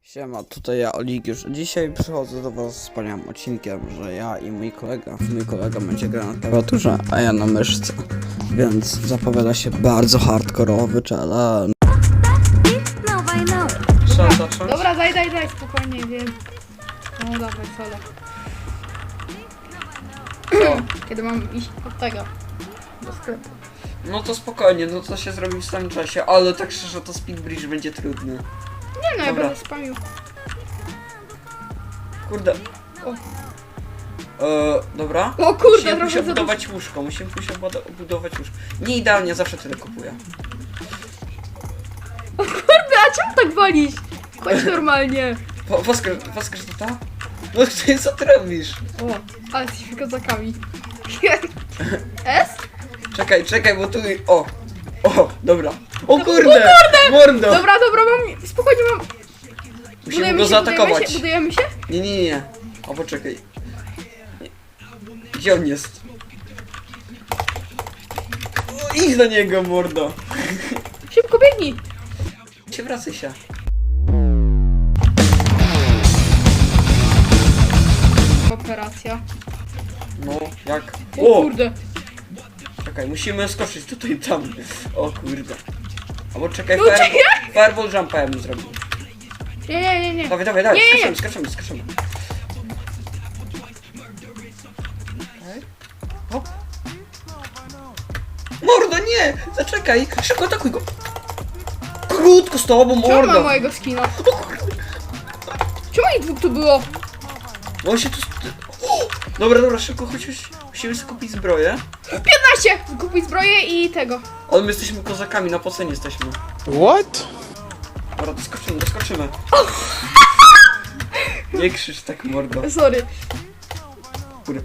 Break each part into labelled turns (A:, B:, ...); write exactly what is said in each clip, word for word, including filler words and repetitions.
A: Siema, tutaj ja, Oligiusz. Dzisiaj przychodzę do was z wspaniałym odcinkiem, że ja i mój kolega, mój kolega będzie grał na klawiaturze, a ja na myszce. Więc zapowiada się bardzo hardkorowy challenge. Trzeba zacząć?
B: Dobra, daj, daj, daj, spokojnie, wiem. No dawaj, solo.
A: Co?
B: Kiedy mam iść od tego, do sklepu.
A: No to spokojnie, no to się zrobi w samym czasie, ale tak szczerze to speed bridge będzie trudny.
B: Nie no, ja
A: Dobra.
B: będę spamił.
A: Kurde.
B: O,
A: Eee, dobra.
B: o kurde,
A: Musimy
B: trochę
A: pójść
B: za dużo.
A: obudować łóżko, musimy pójść obudo- obudować łóżko. Nie idealnie, zawsze tyle kupuję.
B: O kurde, a czemu tak walisz? Chodź normalnie.
A: Woskaż, woskaż to ta? No ty co ty robisz?
B: O, ale jesteśmy kozakami. S?
A: Czekaj, czekaj, bo tu... O! O, dobra. O kurde! Mordo!
B: Dobra, dobra, mam, spokojnie mam.
A: Musimy go
B: się,
A: zaatakować.
B: budujemy się?
A: Nie, nie, nie, nie. O, poczekaj. Nie. Gdzie on jest? O, idź do niego, mordo.
B: Szybko biegnij.
A: Cię wracaj się.
B: Operacja.
A: No, jak?
B: O
A: O!
B: kurde.
A: Czekaj, musimy skoczyć tutaj tam. O kurde. Albo czekaj,
B: No,
A: fire,
B: czekaj.
A: fireball jumpa ja bym zrobił.
B: Nie, nie, nie, nie.
A: Dawaj, dawaj, dawaj,
B: Nie, nie, nie.
A: skaczemy, skaczemy, skaczemy. Okej. Hop. Mordo, nie! Zaczekaj! Szybko atakuj go! Krótko z tobą,
B: Czemu ma
A: mordo!
B: mojego skina? Czemu ich dwóch tu było?
A: No on się tu... O! Dobra, dobra, szybko, chodź, chodź. Musimy sobie kupić zbroję.
B: piętnaście! Kupić zbroję i tego.
A: Ale my jesteśmy kozakami, na pocenie jesteśmy.
C: What?
A: Dobra, doskoczymy, doskoczymy. Nie krzycz tak, mordo.
B: Sorry.
A: Kurde.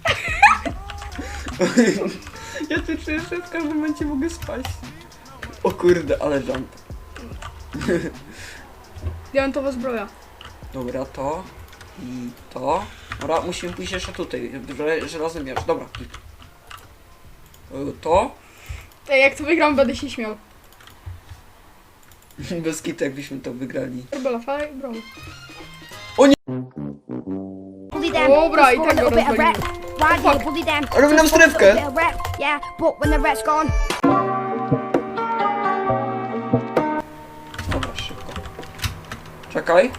A: Ja tu czuję, że w każdym momencie mogę spać. O kurde, ale jump.
B: Diamentowa zbroja.
A: Dobra, to i to. Dobra, musimy pójść jeszcze tutaj. Żel- Żelazny miecz, dobra. Y, To.
B: Ej, jak to wygram, będę się śmiał.
A: Bez kitu, jakbyśmy to wygrali.
B: Bela, faj, bro.
D: Bully them.
B: Dobra, i
D: Just
B: tak
D: for a
B: go
D: little bit of
B: rozwalimy.
D: rep. Why do you bully them?
A: Robi nam
D: Just for a
A: strefkę.
D: little bit of rep. Yeah, but when the rep's gone.
A: Dobra, szybko. Czekaj.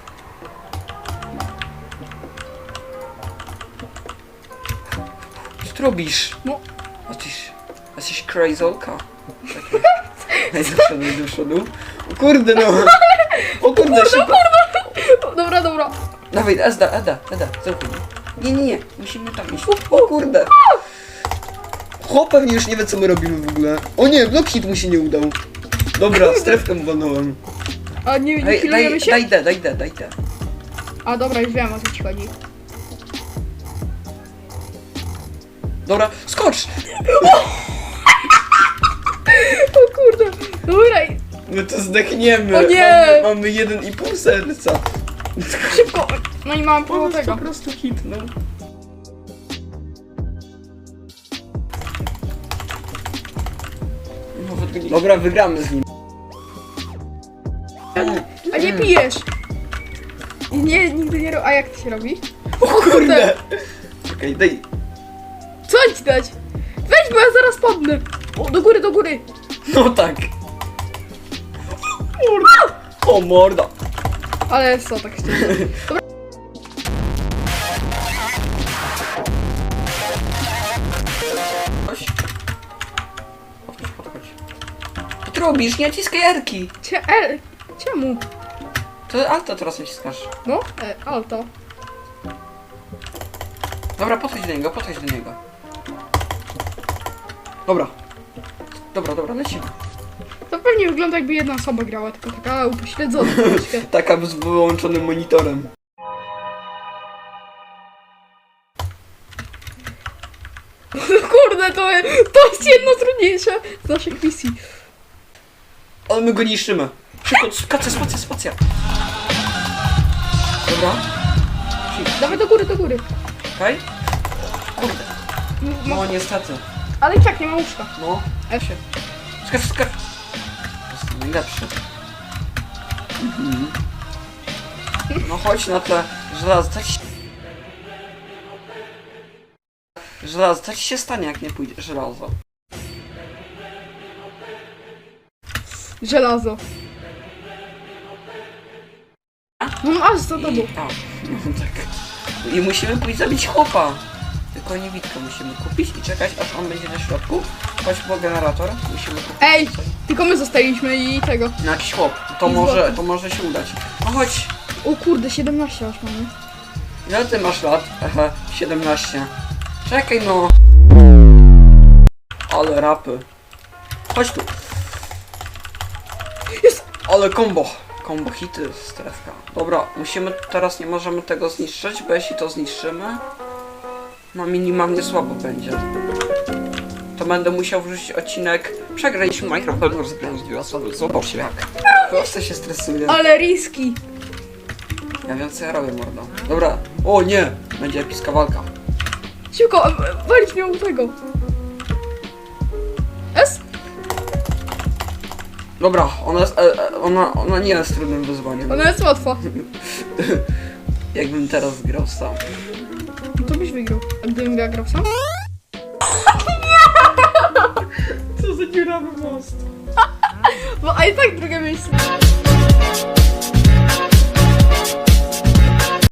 A: Co ty robisz?
B: No.
A: Jesteś... Jesteś crazolka. Czekaj. Daj do przodu, daj do przodu. O kurde no! O kurde, szybko!
B: O, dobra, dobra.
A: Dawaj, Eda, Eda, Eda, zauchaj. Nie, nie, nie, musimy tam iść. O kurde! Chłop pewnie już nie wie, co my robimy w ogóle. O nie, block hit mu się nie udał. Dobra, strefkę mu walnąłem.
B: A nie, nie
A: Daj,
B: healujemy
A: daj,
B: się?
A: daj D, daj D, daj D.
B: A dobra, już wiem, o co ci chodzi.
A: Dobra, skocz!
B: O kurde. Dobra, i-
A: My to zdechniemy.
B: O nie!
A: Mamy, mamy jeden i pół serca.
B: szybko. No i mam połowę
A: On
B: tego.
A: po prostu hitnął. Nawet go nie- Dobra, wygramy z nim.
B: A nie pijesz. Nie, nigdy nie robię. A jak to się robi?
A: O kurde! Czekaj, daj.
B: Co ci dać? Weź, bo ja zaraz padnę. O, do góry, do góry.
A: No tak. Morda. O morda.
B: Ale co, tak szczerze. Dobra.
A: Chodź. Chodź, chodź, chodź. Co ty robisz? Nie naciskaj R-ki.
B: Cie, e, czemu?
A: To alto teraz naciskasz.
B: No, e, alto.
A: Dobra, podchodź do niego, podchodź do niego. Dobra. Dobra, dobra, lecimy.
B: To pewnie wygląda, jakby jedna osoba grała, tylko taka upośledzona troszkę.
A: Taka z wyłączonym monitorem.
B: No kurde, to, to jest jedno z trudniejsze z naszych misji.
A: Ale my go niszczymy. Szybko, spacja, spacja, spacja. Dobra.
B: Dawaj do góry, do góry.
A: Okej. Kurde.
B: M-
A: No
B: ma-
A: niestety.
B: Ale i tak nie ma łóżka.
A: No.
B: F.
A: Skacz, skacz. To jest najlepszy. Mhm. No chodź na tle żelazo, co ci się... Żelazo, co ci się stanie, jak nie pójdzie żelazo?
B: Żelazo. No masz za tobą.
A: I, a, no tak. I musimy pójść zabić chłopa. Tylko niewidkę musimy kupić i czekać, aż on będzie na środku. Chodź po generator, musimy kupić.
B: Ej,
A: coś.
B: tylko my zostaliśmy i tego.
A: No jakiś chłop, to
B: I
A: może,
B: złoty.
A: to może się udać. No chodź,
B: O kurde, siedemnaście aż mamy.
A: ile ty masz lat? Aha, siedemnaście. Czekaj no. Ale rapy. Chodź tu.
B: Jest!
A: Ale combo. Combo hity, strefka. Dobra, musimy, teraz nie możemy tego zniszczyć, bo jeśli to zniszczymy, no minimalnie słabo będzie. To będę musiał wrzucić odcinek. Przegraliśmy Minecraft, rozgrałem dwie osoby, zobacz jak. Prosto się stresuje.
B: Ale riski.
A: Ja wiem co ja robię, mordo. Dobra, o nie! Będzie epicka walka.
B: Szybko, e, walić miał tego. S?
A: Dobra, ona jest, e, e, ona, ona nie jest trudnym wyzwaniem.
B: Ona jest łatwa.
A: Jakbym teraz grał sam.
B: No to byś wygrał. A gdybym ja grał sam?
A: Co za dziurawy most.
B: Bo a i tak drugie miejsce.